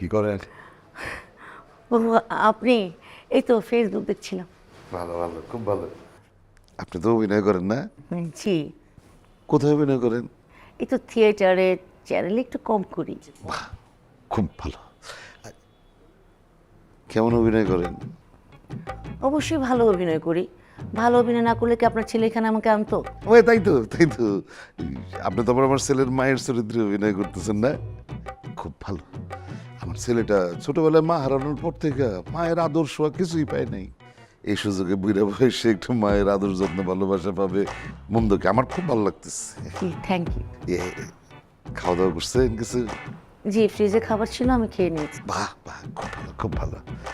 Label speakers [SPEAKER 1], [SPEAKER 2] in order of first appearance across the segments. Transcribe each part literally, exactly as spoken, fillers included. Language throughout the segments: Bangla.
[SPEAKER 1] করেন?
[SPEAKER 2] ও আপনি? এই তো ফেসবুক দেখছিলাম।
[SPEAKER 1] ভালো ভালো, খুব ভালো। আপনি তো অভিনয় করেন না?
[SPEAKER 2] জি।
[SPEAKER 1] কোথায় অভিনয় করেন?
[SPEAKER 2] এই তো থিয়েটারে, চ্যানেলে একটু কম করি।
[SPEAKER 1] বাহ, খুব ভালো। কেমন অভিনয় করেন?
[SPEAKER 2] অবশ্যই ভালো অভিনয় করি। ভালো অভিনয় না করলে কি আপনার ছেলে এখানে আমাকে আনতো?
[SPEAKER 1] ওই তাই তো, তাই তো। আপনি তো আবার আমার ছেলের মায়ের চরিত্রে অভিনয় করতেছেন না? খুব ভালো। আমার ছেলেটা ছোটবেলায় মা হারানোর পর থেকে মায়ের আদর ছোঁয়া কিছুই পায় নাই। এই সুযোগে বুড়া বয়সে একটু মায়ের আদর যত্ন ভালোবাসা পাবে, মন্দকে আমার খুব ভালো লাগতেছে।
[SPEAKER 2] জি, থ্যাংক ইউ।
[SPEAKER 1] এ, খাওয়া দাওয়া করছেন কিছু?
[SPEAKER 2] জি, ফ্রিজে খাবার ছিল, আমি খেয়ে নিয়েছি।
[SPEAKER 1] বাহ বাহ, খুব ভালো, খুব ভালো।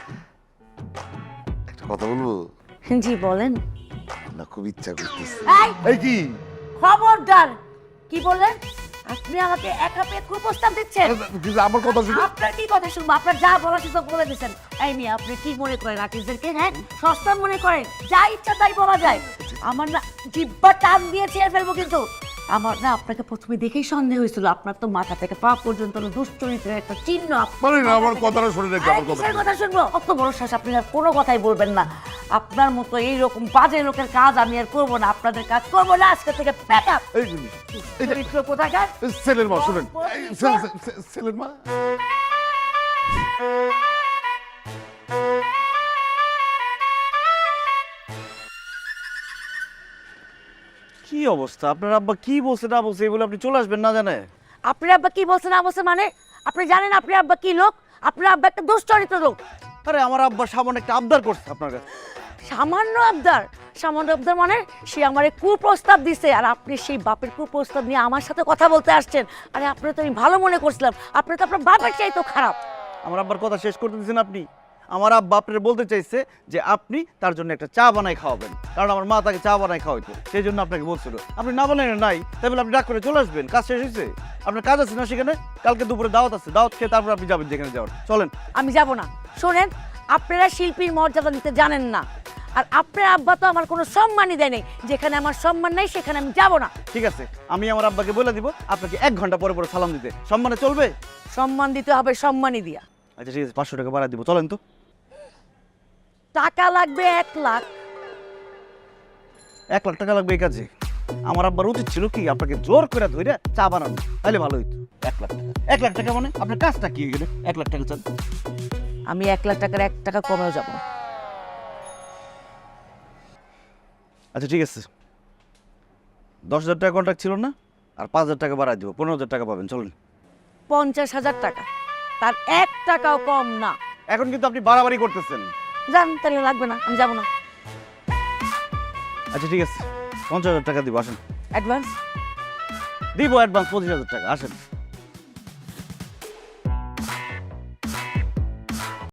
[SPEAKER 1] একটা কথা বলবো?
[SPEAKER 2] জি বলেন।
[SPEAKER 1] না, খুব ইচ্ছা করতেছে।
[SPEAKER 2] এই!
[SPEAKER 1] এই কি?
[SPEAKER 2] খবরদার! কি বললেন? আপনি আমাকে একা পেয়ে কুপ্রস্তাব দিচ্ছেন?
[SPEAKER 1] কিন্তু আমার কথা শুনে
[SPEAKER 2] আপনার কি কথা শুনবো? আপনার যা বলার সুযোগ বলে দিচ্ছেন। এই মেয়ে, আপনি কি মনে করেন আর্টিস্টদেরকে? হ্যাঁ, সস্তা মনে করেন? যা ইচ্ছা তাই বলা যায়। আমার না জিহ্বা টান দিয়ে ছেড়ে ফেলবো কিন্তু। আমার না আপনাকে প্রথমে দেখেই সন্দেহ হয়েছিল। আপনার তো মাথা থেকে পা পর্যন্ত দুশ্চরিত্রের একটা চিহ্ন।
[SPEAKER 1] বলেন না, আমার কথাটা শুনে রেখে আমার কথা।
[SPEAKER 2] কিসের কথা শুনবো? অত বড় শ্বাস, আপনি আর কোনো কথাই বলবেন না। আপনার মতো এইরকম বাজে লোকের কাজ আমি আর করবো না। আপনাদের কাজ করবো না আজকে থেকে। Pack up.
[SPEAKER 1] এই জিনিস, এই যে
[SPEAKER 2] চরিত্র কোথাকার?
[SPEAKER 1] ছেলের মা, শুনেন। এই, ছে- ছে- ছে- ছেলের মা।
[SPEAKER 3] কি অবস্থা? আপনার আব্বা কি বলছে না বলছে এগুলো আপনি চলে আসবেন না জানে?
[SPEAKER 2] আপনার আব্বা কি বলছে না বলছে মানে? আপনি জানেন আপনার আব্বা কি লোক? আপনার আব্বা একটা দুশ্চরিত্র লোক।
[SPEAKER 3] আরে আমার আব্বা সামান্য একটা আবদার করছে আপনার কাছে।
[SPEAKER 2] সামান্য আবদার? সামান্য আবদার মানে সে আমারে কুপ্রস্তাব দিছে, আর আপনি সেই বাপের কুপ্রস্তাব নিয়ে আমার সাথে কথা বলতে আসছেন। আরে আপনার তো আমি ভালো মনে করছিলাম, আপনি তো আপনার বাপের চাইতেও খারাপ।
[SPEAKER 3] আমার আব্বার কথা শেষ করতে দিয়েছেন আপনি? আমার আব্বা আপনার বলতে চাইছে যে আপনি তার জন্য একটা চা বানাই খাওয়াবেন, কারণ আমার মা তাকে চা বানাই খাওয়াইতো, সেই জন্য আপনাকে বলছিল। আপনি না বানাই নাই, তাই বলে আপনি ডাক করে চলে আসবেন? কাজ শেষ হয়েছে, আপনার কাজ আছে না সেখানে? কালকে দুপুরে দাওয়াত আছে, দাওয়াত খেয়ে তারপর আপনি যাবেন যেখানে যাওয়ার। চলেন।
[SPEAKER 2] আমি যাব না। শোনেন, আপনারা শিল্পীর মর্যাদা দিতে জানেন না, আর আপনার আব্বা তো আমার কোনো সম্মানই দেয় নাই। যেখানে আমার সম্মান নাই সেখানে আমি যাব না।
[SPEAKER 3] ঠিক আছে, আমি আমার আব্বাকে বলে দিব আপনাকে এক ঘন্টা পরে পরে সালাম দিতে। সম্মানে চলবে?
[SPEAKER 2] সম্মান দিতে হবে, সম্মানই দিয়া।
[SPEAKER 3] আচ্ছা ঠিক আছে, পাঁচশো টাকা বাড়া দিব, চলেন তো।
[SPEAKER 2] টাকা লাগবে এক লাখ।
[SPEAKER 3] এক লাখ টাকা লাগবে এই কাজে? আমার আব্বার উচিত ছিল কি আপনাকে জোর করে ধরে চা বানানো, তাহলে ভালো হইতো। এক লাখ টাকা, এক লাখ টাকা মানে আপনার কাজটা কি হয়ে গেলে এক লাখ টাকা চান?
[SPEAKER 2] আমি এক লাখ টাকার এক টাকা কমেও যাব না।
[SPEAKER 3] আচ্ছা ঠিক আছে, দশ হাজার টাকা কন্ট্রাক্ট ছিল না? আর পাঁচ হাজার টাকা বাড়াই দিব, পনেরো হাজার টাকা পাবেন, চলুন।
[SPEAKER 2] পঞ্চাশ হাজার টাকা, তার এক টাকাও কম না।
[SPEAKER 3] এখন কিন্তু আপনি বাড়াবাড়ি করতেছেন।
[SPEAKER 2] জান, তাহলে লাগবে না, আমি যাব না।
[SPEAKER 3] আচ্ছা ঠিক আছে, পঞ্চাশ হাজার টাকা দিব, আসেন।
[SPEAKER 2] অ্যাডভান্স?
[SPEAKER 3] দিব অ্যাডভান্স পঁচিশ হাজার টাকা, আসেন।